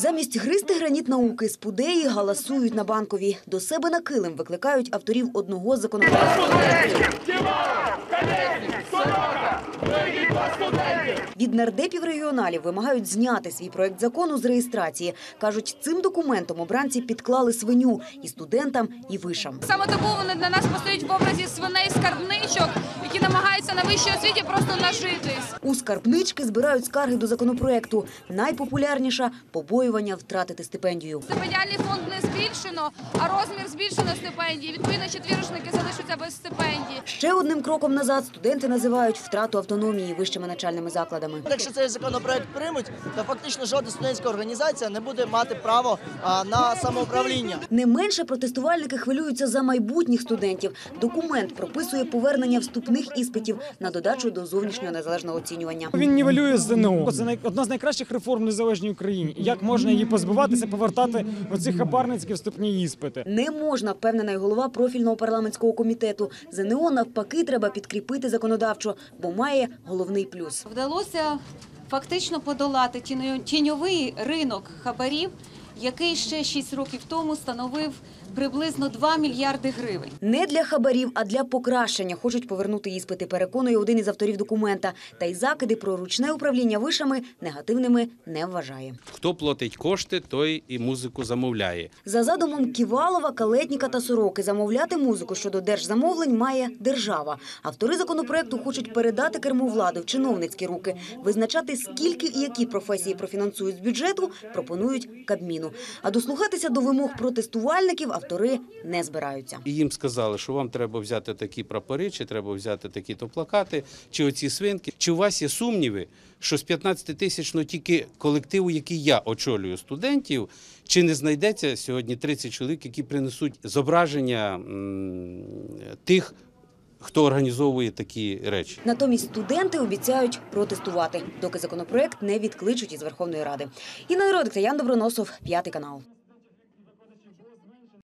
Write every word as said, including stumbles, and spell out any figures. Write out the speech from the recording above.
Замість гризти граніт науки спудеї галасують на Банковій. До себе на килим викликають авторів одного з законопроекту. Від нардепів-регіоналів вимагають зняти свій проект закону з реєстрації. Кажуть, цим документом обранці підклали свиню і студентам, і вишам. Саме тому вони для нас постають в образі свиней-скарбничок, які намагаються на вищій освіті просто нажитись. У скарбнички збирають скарги до законопроекту. Найпопулярніша – побоювання втратити стипендію. Стипендіальний фонд не збільшено, а розмір збільшено стипендії. Відповідно, четвірочники залишаться без стипендій. Ще одним кроком назад студенти називають втрату автономії вищими навчальними закладами. Якщо цей законопроект приймуть, то фактично жодна студентська організація не буде мати право на самоуправління. Не менше протестувальники хвилюються за майбутніх студентів. Документ прописує повернення вступних іспитів на додачу до зовнішнього незалежного оцінювання. Він нівелює ЗНО. Це одна з найкращих реформ в незалежній Україні. Як можна її позбуватися, повертати оці хабарницькі вступні іспити? Не можна, впевнений голова профільного парламентського комітету. ЗНО навпаки треба підкріпити законодавчо, бо має головний плюс. Вдалося фактично подолати тіньовий ринок хабарів, який ще шість років тому становив приблизно два мільярди гривень. Не для хабарів, а для покращення хочуть повернути іспити, переконує один із авторів документа. Та й закиди про ручне управління вишами негативними не вважає. Хто платить кошти, той і музику замовляє. За задумом Ківалова, Калетніка та Сороки, замовляти музику щодо держзамовлень має держава. Автори законопроекту хочуть передати керму влади в чиновницькі руки. Визначати, скільки і які професії профінансують з бюджету, пропонують Кабміну. А дослухатися до вимог протестувальників автори не збираються. І їм сказали, що вам треба взяти такі прапори, чи треба взяти такі-то плакати, чи оці свинки. Чи у вас є сумніви, що з п'ятнадцятитисячного тільки колективу, який я очолюю, студентів, чи не знайдеться сьогодні тридцять чоловік, які принесуть зображення м, тих, хто організовує такі речі. Натомість студенти обіцяють протестувати, доки законопроект не відкличуть із Верховної Ради. Інна Родик та Ян Доброносов, п'ятий канал.